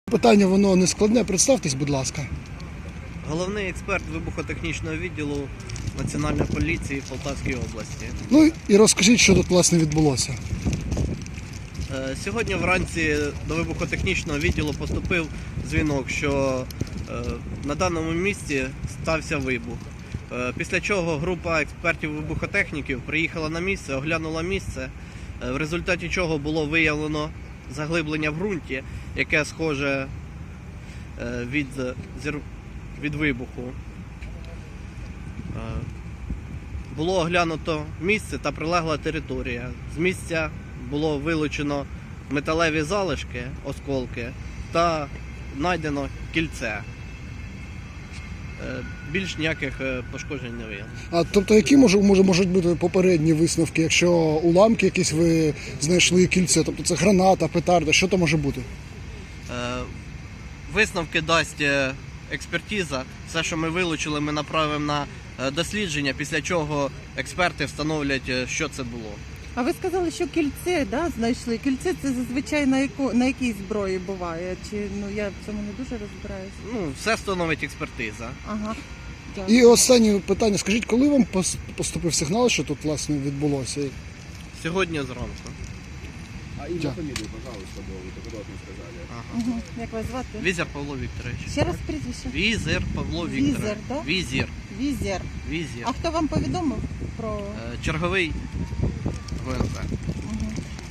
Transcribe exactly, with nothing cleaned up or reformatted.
Питання воно не складне, представтесь, будь ласка. Головний експерт вибухотехнічного відділу Національної поліції в Полтавській області. Ну і розкажіть, що тут власне відбулося. Е, Сьогодні вранці до вибухотехнічного відділу поступив дзвінок, що е, на даному місці стався вибух. Е, Після чого група експертів-вибухотехніків приїхала на місце, оглянула місце, е, в результаті чого було виявлено заглиблення в ґрунті, яке схоже е, від, зір- від вибуху. Е, Було оглянуто місце та прилегла територія. З місця було вилучено металеві залишки, осколки та знайдено кільце. Е, Більш ніяких е, пошкоджень не виявлено. А тобто, які може, може, можуть бути попередні висновки, якщо уламки якісь ви знайшли кільце, тобто це граната, петарда, що то може бути? Е, Висновки дасть е, експертиза. Все, що ми вилучили, ми направимо на е, дослідження, після чого експерти встановлять, е, що це було. А ви сказали, що кільце, да, знайшли. Кільце це зазвичай на яко, на якій зброї буває? Чи ну я в цьому не дуже розбираюся? Ну, все встановить експертиза. Ага. Дякую. І останнє питання, скажіть, коли вам пос- поступив сигнал, що тут власне відбулося? Сьогодні зранку. А имя, Да. фамилию, пожалуйста, было, вы только вот не сказали. Ага. Угу. Як вас звати? Візер Павло Вікторович. Ще раз прізвище. Візер Павло Візер, Вікторович. да? Візір. Візер. Візір. А хто вам повідомив про Е, Черговий ГУНП.